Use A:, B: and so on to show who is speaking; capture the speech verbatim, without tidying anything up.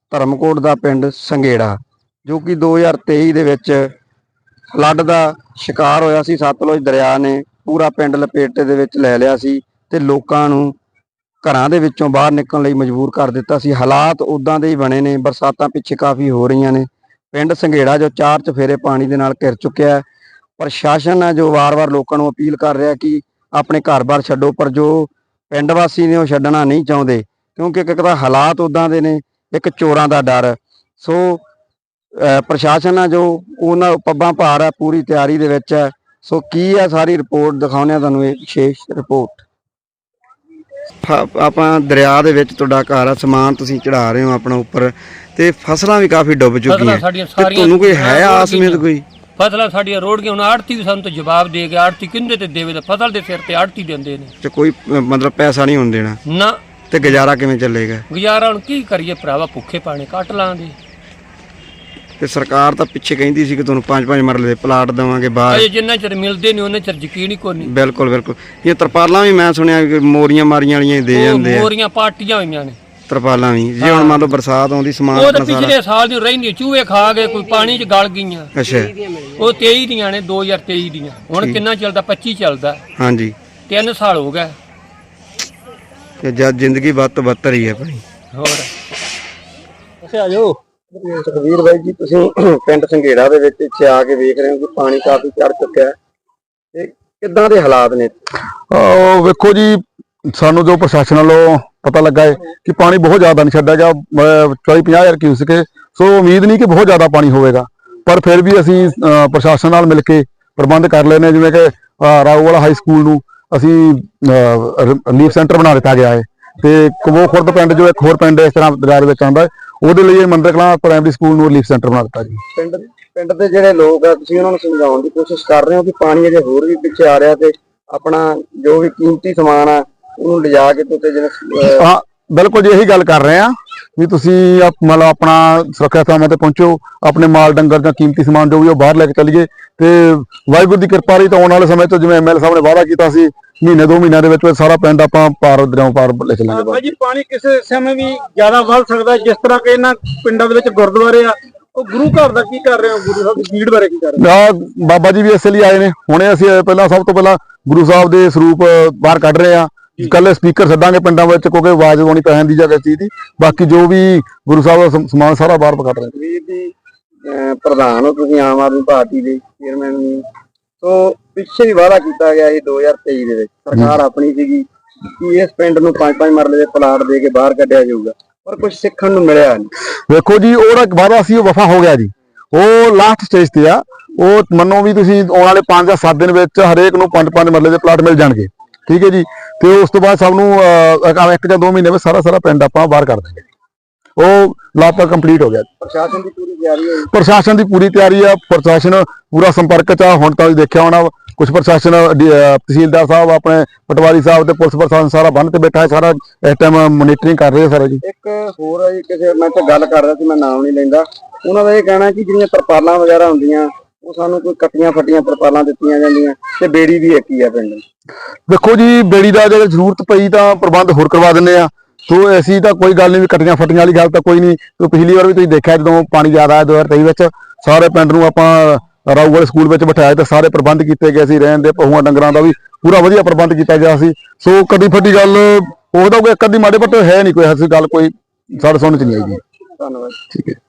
A: ਧਰਮਕੋਟ ਦਾ ਪਿੰਡ ਸੰਘੇੜਾ, ਜੋ ਕਿ ਦੋ ਹਜ਼ਾਰ ਤੇਈ ਦੇ ਵਿੱਚ ਫਲੱਡ ਦਾ ਸ਼ਿਕਾਰ ਹੋਇਆ ਸੀ। ਸਤਲੁਜ ਦਰਿਆ ਨੇ ਪੂਰਾ ਪਿੰਡ ਲਪੇਟੇ ਦੇ ਵਿੱਚ ਲੈ ਲਿਆ ਸੀ ਤੇ ਲੋਕਾਂ ਨੂੰ ਘਰਾਂ ਦੇ ਵਿੱਚੋਂ ਬਾਹਰ ਨਿਕਲਣ ਲਈ ਮਜਬੂਰ ਕਰ ਦਿੱਤਾ ਸੀ। ਹਾਲਾਤ ਉੱਦਾਂ ਦੇ ਹੀ ਬਣੇ ਨੇ। ਬਰਸਾਤਾਂ ਪਿੱਛੇ ਕਾਫੀ ਹੋ ਰਹੀਆਂ ਨੇ। ਪਿੰਡ ਸੰਘੇੜਾ ਜੋ ਚਾਰ ਚਫੇਰੇ ਪਾਣੀ ਦੇ ਨਾਲ ਘਿਰ ਚੁੱਕਿਆ ਹੈ। ਪ੍ਰਸ਼ਾਸਨ ਹੈ ਜੋ ਵਾਰ-ਵਾਰ ਲੋਕਾਂ ਨੂੰ ਅਪੀਲ ਕਰ ਰਿਹਾ ਕਿ ਆਪਣੇ ਘਰ-ਬਾਰ ਛੱਡੋ, ਪਰ ਜੋ ਪਿੰਡ ਵਾਸੀ ਨੇ ਉਹ ਛੱਡਣਾ ਨਹੀਂ ਚਾਹੁੰਦੇ, ਕਿਉਂਕਿ ਇੱਕ ਤਾਂ ਹਾਲਾਤ ਉੱਦਾਂ ਦੇ ਨੇ, ਇੱਕ ਚੋਰਾਂ ਦਾ ਡਰ। ਸੋ ਪ੍ਰਸ਼ਾਸਨ ਹੈ ਜੋ ਉਹਨਾਂ ਪੱਬਾਂ ਭਾਰ ਹੈ, ਪੂਰੀ ਤਿਆਰੀ ਦੇ ਵਿੱਚ ਹੈ। ਸੋ ਕੀ ਹੈ ਸਾਰੀ ਰਿਪੋਰਟ ਦਿਖਾਉਂਦੇ ਹਾਂ ਤੁਹਾਨੂੰ, ਇਹ ਵਿਸ਼ੇਸ਼ ਰਿਪੋਰਟ। ਆਪਾਂ ਦਰਿਆ ਦੇ ਵਿੱਚ ਤੁਹਾਡਾ ਘਰ ਆ, ਸਮਾਨ ਤੁਸੀਂ ਚੜਾ ਰਹੇ ਹੋ ਆਪਣਾ ਉੱਪਰ, ਤੇ ਫਸਲਾਂ ਵੀ ਕਾਫੀ ਡੁੱਬ ਚੁੱਕੀਆਂ, ਤੇ ਤੁਹਾਨੂੰ ਕੋਈ ਹੈ ਆਸ ਉਮੀਦ? ਕੋਈ
B: ਫਸਲਾਂ ਸਾਡੀਆਂ ਰੋੜ ਗਈਆਂ। ਹੁਣ ਆੜਤੀ ਵੀ ਸਾਨੂੰ ਤਾਂ ਜਵਾਬ ਦੇ ਗਿਆ, ਆੜਤੀ ਕਿੰਦੇ ਤੇ ਦੇਵੇ? ਤਾਂ ਫਸਲ ਦੇ ਸਿਰ ਤੇ ਆੜਤੀ ਦਿੰਦੇ ਨੇ,
A: ਤੇ ਕੋਈ ਮਤਲਬ ਪੈਸਾ ਨਹੀਂ ਹੋਣ ਦੇਣਾ
B: ਨਾ।
A: ਤੇ ਗੁਜ਼ਾਰਾ ਕਿਵੇਂ ਚੱਲੇਗਾ?
B: ਗੁਜ਼ਾਰਾ ਹੁਣ ਕੀ ਕਰੀਏ ਭਰਾਵਾ, ਭੁੱਖੇ ਪਾਣੀ ਕੱਟ ਲਾਂਗੇ।
A: ਤੇ ਸਰਕਾਰ ਤਾਂ ਪਿੱਛੇ ਕਹਿੰਦੀ ਸੀ ਕਿ ਤੁਹਾਨੂੰ ਪੰਜ ਪੰਜ ਮਰਲੇ ਦੇ ਪਲਾਟ ਦੇਵਾਂਗੇ ਬਾਹਰ।
B: ਅਜੇ ਜਿੰਨਾ ਚਿਰ ਮਿਲਦੇ ਨਹੀਂ ਉਹਨਾਂ ਚਿਰ ਯਕੀਨ ਹੀ ਕੋਈ ਨਹੀਂ।
A: ਬਿਲਕੁਲ ਬਿਲਕੁਲ। ਇਹ ਤਰਪਾਲਾਂ ਵੀ ਮੈਂ ਸੁਣਿਆ ਕਿ ਮੋਰੀਆਂ ਮਾਰੀਆਂ ਵਾਲੀਆਂ ਦੇ ਜਾਂਦੇ ਆ।
B: ਮੋਰੀਆਂ ਪਾਟੀਆਂ ਹੋਈਆਂ ਨੇ, ਤਰਪਾਲਾਂ
A: ਵੀ। ਜੇ ਹੁਣ ਮੰਨ ਲਓ ਬਰਸਾਤ ਆਉਂਦੀ, ਸਮਾਨ
B: ਉਹ ਤਾਂ ਪਿਛਲੇ ਸਾਲ ਦੀ ਰਹਿੰਦੀ, ਚੂਹੇ ਖਾ ਗਏ, ਕੋਈ ਪਾਣੀ 'ਚ ਗਲ ਗਈਆਂ।
A: ਅੱਛਾ,
B: ਉਹ ਤੇਈ ਦੀਆਂ ਨੇ, ਦੋ ਹਜ਼ਾਰ ਤੇਈ ਦੀਆਂ। ਹੁਣ ਕਿੰਨਾ ਚੱਲਦਾ? ਪੱਚੀ ਚੱਲਦਾ। ਹਾਂਜੀ, ਤਿੰਨ ਸਾਲ ਹੋ ਗਏ।
A: ਤੇ ਜਦ ਜ਼ਿੰਦਗੀ ਵੱਧ ਤੋਂ ਬੱਤਰ ਹੀ ਹੈ ਆਪਣੀ।
B: ਹੋਰ
A: ਅੱਛਾ, ਆਜੋ ਸੁਖਵੀਰ ਬਾਈ ਜੀ, ਤੁਸੀਂ ਪਿੰਡ ਸੰਘੇੜਾ ਦੇ ਵਿੱਚ ਇੱਥੇ ਆ ਕੇ ਵੇਖ ਰਹੇ ਹੋ ਕਿ ਪਾਣੀ ਕਾਫੀ ਚੜ ਚੁੱਕਿਆ ਹੈ, ਤੇ ਕਿੱਦਾਂ ਦੇ ਹਾਲਾਤ ਨੇ?
C: ਵੇਖੋ ਜੀ, ਸਾਨੂੰ ਜੋ ਪ੍ਰਸ਼ਾਸਨ ਵੱਲੋਂ ਪਤਾ ਲੱਗਾ ਹੈ ਕਿ ਪਾਣੀ ਬਹੁਤ ਜ਼ਿਆਦਾ ਨਹੀਂ ਛੱਡਿਆ ਗਿਆ, ਚਾਲੀ ਪੰਜਾਹ ਹਜ਼ਾਰ ਕਿਊਸਕ, ਸੋ ਉਮੀਦ ਨਹੀਂ ਕਿ ਬਹੁਤ ਜ਼ਿਆਦਾ ਪਾਣੀ ਹੋਵੇਗਾ, ਪਰ ਫਿਰ ਵੀ ਅਸੀਂ ਪ੍ਰਸ਼ਾਸਨ ਨਾਲ ਮਿਲ ਕੇ ਪ੍ਰਬੰਧ ਕਰ ਲੈਣੇ। ਜਿਵੇਂ ਕਿ ਰਾਊਵਾਲਾ ਹਾਈ ਸਕੂਲ ਨੂੰ ਅਸੀਂ ਰਿਲੀਫ ਸੈਂਟਰ ਬਣਾ ਦਿੱਤਾ ਗਿਆ ਹੈ, ਤੇ ਕਬੋ ਖੁਰਦ ਪਿੰਡ ਜੋ ਇੱਕ ਹੋਰ ਪਿੰਡ ਇਸ ਤਰ੍ਹਾਂ ਦਰਿਆ ਦੇ ਵਿੱਚ ਆਉਂਦਾ, ਉਹਦੇ ਲਈ ਇਹ ਮੰਦਰ ਕਲਾਂ ਪ੍ਰਾਇਮਰੀ ਸਕੂਲ ਨੂੰ ਰਿਲੀਫ ਸੈਂਟਰ ਬਣਾ ਦਿੱਤਾ ਜੀ।
A: ਪਿੰਡ ਪਿੰਡ ਦੇ ਜਿਹੜੇ ਲੋਕ ਆ, ਤੁਸੀਂ ਉਹਨਾਂ ਨੂੰ ਸਮਝਾਉਣ ਦੀ ਕੋਸ਼ਿਸ਼ ਕਰ ਰਹੇ ਹੋ ਕਿ ਪਾਣੀ ਅਜੇ ਹੋਰ ਵੀ ਪਿੱਛੇ ਆ ਰਿਹਾ, ਤੇ ਆਪਣਾ ਜੋ ਵੀ ਕੀਮਤੀ ਸਮਾਨ ਆ ਉਹਨੂੰ ਲਿਜਾ ਕੇ ਤੇ ਜਿਵੇਂ।
C: ਹਾਂ ਬਿਲਕੁਲ ਜੀ, ਇਹੀ ਗੱਲ ਕਰ ਰਹੇ ਆ ਵੀ ਤੁਸੀਂ ਮਤਲਬ ਆਪਣਾ ਸੁਰੱਖਿਆ ਥਾਵਾਂ ਤੇ ਪਹੁੰਚੋ, ਆਪਣੇ ਮਾਲ ਡੰਗਰ ਜਾਂ ਕੀਮਤੀ ਸਮਾਨ ਜੋ ਵੀ ਉਹ ਬਾਹਰ ਲੈ ਕੇ ਚੱਲੀਏ। ਤੇ ਵਾਹਿਗੁਰੂ ਦੀ ਕਿਰਪਾ ਰਹੀ ਤਾਂ ਆਉਣ ਵਾਲੇ ਸਮੇਂ ਤੋਂ, ਜਿਵੇਂ ਐਮ ਐਲ ਏ ਸਾਹਿਬ ਨੇ ਵਾਅਦਾ ਕੀਤਾ ਸੀ, ਮਹੀਨੇ ਦੋ ਮਹੀਨਿਆਂ ਦੇ ਵਿੱਚ ਸਾਰਾ ਪਿੰਡ ਆਪਾਂ ਪਾਰ ਦਰਿਆਓਂ ਪਾਰ ਲੈ ਚੱਲਾਂਗੇ।
D: ਜੀ ਪਾਣੀ ਕਿਸੇ ਸਮੇਂ ਵੀ ਜ਼ਿਆਦਾ ਵੱਧ ਸਕਦਾ, ਜਿਸ ਤਰ੍ਹਾਂ ਕਿ ਇਹਨਾਂ ਪਿੰਡਾਂ ਦੇ ਵਿੱਚ ਗੁਰਦੁਆਰੇ ਆ, ਉਹ ਗੁਰੂ ਘਰ ਦਾ ਕੀ ਕਰ ਰਹੇ ਹੋ? ਗੁਰੂ ਸਾਹਿਬ ਦੀ ਭੀੜ ਬਾਰੇ ਕੀ ਕਰ ਰਹੇ
C: ਹੋ? ਬਾਬਾ ਜੀ ਵੀ ਇਸੇ ਲਈ ਆਏ ਨੇ। ਹੁਣੇ ਅਸੀਂ ਪਹਿਲਾਂ ਸਭ ਤੋਂ ਪਹਿਲਾਂ ਗੁਰੂ ਸਾਹਿਬ ਦੇ ਸਰੂਪ ਬਾਹਰ ਕੱਢ ਰਹੇ ਆ। ਕੱਲੇ ਸਪੀਕਰ ਛੱਡਾਂਗੇ ਪਿੰਡਾਂ ਵਿੱਚ, ਕਿਉਂਕਿ ਆਵਾਜ਼ ਆਉਣੀ ਪੈ ਜਾਂਦੀ ਜਾਂ ਕਿਸੇ ਚੀਜ਼ ਦੀ। ਬਾਕੀ ਜੋ ਵੀ ਗੁਰੂ ਸਾਹਿਬ ਦਾ ਸਮਾਨ ਸਾਰਾ ਬਾਹਰ ਕੱਢ ਰਹੇ।
A: ਵੀਰ ਜੀ ਪ੍ਰਧਾਨ ਹੋ ਤੁਸੀਂ ਆਮ ਆਦਮੀ ਪਾਰਟੀ ਦੇ ਚੇਅਰਮੈਨ ਵੀ, ਸੋ ਪਿੱਛੇ ਵੀ ਵਾਅਦਾ ਕੀਤਾ ਗਿਆ ਸੀ ਦੋ ਹਜ਼ਾਰ ਤੇਈ ਦੇ ਵਿੱਚ, ਸਰਕਾਰ ਆਪਣੀ ਸੀਗੀ ਕਿ ਇਸ ਪਿੰਡ ਨੂੰ ਪੰਜ ਪੰਜ ਮਰਲੇ ਦੇ ਪਲਾਟ ਦੇ ਕੇ ਬਾਹਰ ਕੱਢਿਆ ਜਾਊਗਾ, ਪਰ ਕੁਝ ਸਿੱਖਣ ਨੂੰ ਮਿਲਿਆ ਨਹੀਂ।
C: ਵੇਖੋ ਜੀ, ਉਹਦਾ ਵਾਅਦਾ ਸੀ, ਉਹ ਵਫਾ ਹੋ ਗਿਆ ਜੀ। ਉਹ ਲਾਸਟ ਸਟੇਜ ਤੇ ਆ। ਉਹ ਮੰਨੋ ਵੀ ਤੁਸੀਂ ਆਉਣ ਵਾਲੇ ਪੰਜ ਜਾਂ ਸੱਤ ਦਿਨ ਵਿੱਚ ਹਰੇਕ ਨੂੰ ਪੰਜ ਪੰਜ ਮਰਲੇ ਦੇ ਪਲਾਟ ਮਿਲ ਜਾਣਗੇ, ਠੀਕ ਹੈ ਜੀ। ਤੇ ਉਸ ਤੋਂ ਬਾਅਦ ਸਭ ਨੂੰ ਇੱਕ ਜਾਂ ਦੋ ਮਹੀਨੇ ਵਿੱਚ ਸਾਰਾ ਸਾਰਾ ਪਿੰਡ ਆਪਾਂ ਬਾਹਰ ਕਰ ਦੇਂਗੇ। ਉਹ ਲਾਪਾ ਕੰਪਲੀਟ ਹੋ ਗਿਆ।
A: ਪ੍ਰਸ਼ਾਸਨ ਦੀ ਪੂਰੀ ਤਿਆਰੀ ਹੈ?
C: ਪ੍ਰਸ਼ਾਸਨ ਦੀ ਪੂਰੀ ਤਿਆਰੀ ਆ। ਪ੍ਰਸ਼ਾਸਨ ਪੂਰਾ ਸੰਪਰਕ ਚ ਆ। ਹੁਣ ਤਾਂ ਤੁਸੀਂ ਦੇਖਿਆ ਹੋਣਾ, ਕੁਝ ਪ੍ਰਸ਼ਾਸਨ ਤਹਿਸੀਲਦਾਰ ਸਾਹਿਬ, ਆਪਣੇ ਪਟਵਾਰੀ ਸਾਹਿਬ ਤੇ ਪੁਲਿਸ ਪ੍ਰਸ਼ਾਸਨ ਸਾਰਾ ਬੰਨ ਤੇ ਬੈਠਾ ਹੈ, ਸਾਰਾ ਇਸ ਟਾਈਮ ਮੋਨੀਟਰਿੰਗ ਕਰ ਰਹੇ ਸਾਰਾ ਜੀ।
A: ਇੱਕ ਹੋਰ ਹੈ ਜੀ, ਕਿਸੇ ਮੈਂ ਤਾਂ ਗੱਲ ਕਰ ਰਿਹਾ ਸੀ, ਮੈਂ ਨਾਮ ਨਹੀਂ ਲੈਂਦਾ, ਉਹਨਾਂ ਦਾ ਇਹ ਕਹਿਣਾ ਕਿ ਜਿਹੜੀਆਂ ਤਰਪਾਲਾਂ ਵਗੈਰਾ ਹੁੰਦੀਆਂ ਉਹ ਸਾਨੂੰ ਕੋਈ ਕੱਟੀਆਂ ਫੱਟੀਆਂ ਤਰਪਾਲਾਂ ਦਿੱਤੀਆਂ ਜਾਂਦੀਆਂ, ਤੇ ਬੇੜੀ ਵੀ ਇੱਕ ਹੀ ਆ ਪਿੰਡ।
C: ਦੇਖੋ ਜੀ, ਬੇੜੀ ਦਾ ਜੇ ਜ਼ਰੂਰਤ ਪਈ ਤਾਂ ਪ੍ਰਬੰਧ ਹੋਰ ਕਰਵਾ ਦਿੰਦੇ ਆ। ਸੋ ਅਸੀਂ ਤਾਂ ਕੋਈ ਗੱਲ ਨਹੀਂ ਵੀ ਕੱਟੀਆਂ ਫੱਟੀਆਂ ਵਾਲੀ ਗੱਲ ਤਾਂ ਕੋਈ ਨਹੀਂ। ਪਿਛਲੀ ਵਾਰ ਵੀ ਤੁਸੀਂ ਦੇਖਿਆ, ਜਦੋਂ ਪਾਣੀ ਜ਼ਿਆਦਾ ਆਇਆ ਦੋ ਹਜ਼ਾਰ ਤੇਈ ਵਿੱਚ, ਸਾਰੇ ਪਿੰਡ ਨੂੰ ਆਪਾਂ ਰਾਊਵਾਲ ਸਕੂਲ ਵਿੱਚ ਬਿਠਾਇਆ ਤੇ ਸਾਰੇ ਪ੍ਰਬੰਧ ਕੀਤੇ ਗਏ ਸੀ। ਰਹਿਣ ਦੇ, ਪਹੂਆਂ ਡੰਗਰਾਂ ਦਾ ਵੀ ਪੂਰਾ ਵਧੀਆ ਪ੍ਰਬੰਧ ਕੀਤਾ ਗਿਆ ਸੀ। ਸੋ ਕਦੀ ਫੱਟੀ ਗੱਲ ਉਹਦਾ ਕੋਈ ਇੱਕ ਅੱਧੀ ਮਾੜੇ ਪੱਟੇ ਹੈ ਨਹੀਂ, ਕੋਈ ਐਸੀ ਗੱਲ ਕੋਈ ਸਾਡੇ ਸੁਣਨ ਚ ਨਹੀਂ ਆਈ ਜੀ।
A: ਧੰਨਵਾਦ।
C: ਠੀਕ ਹੈ।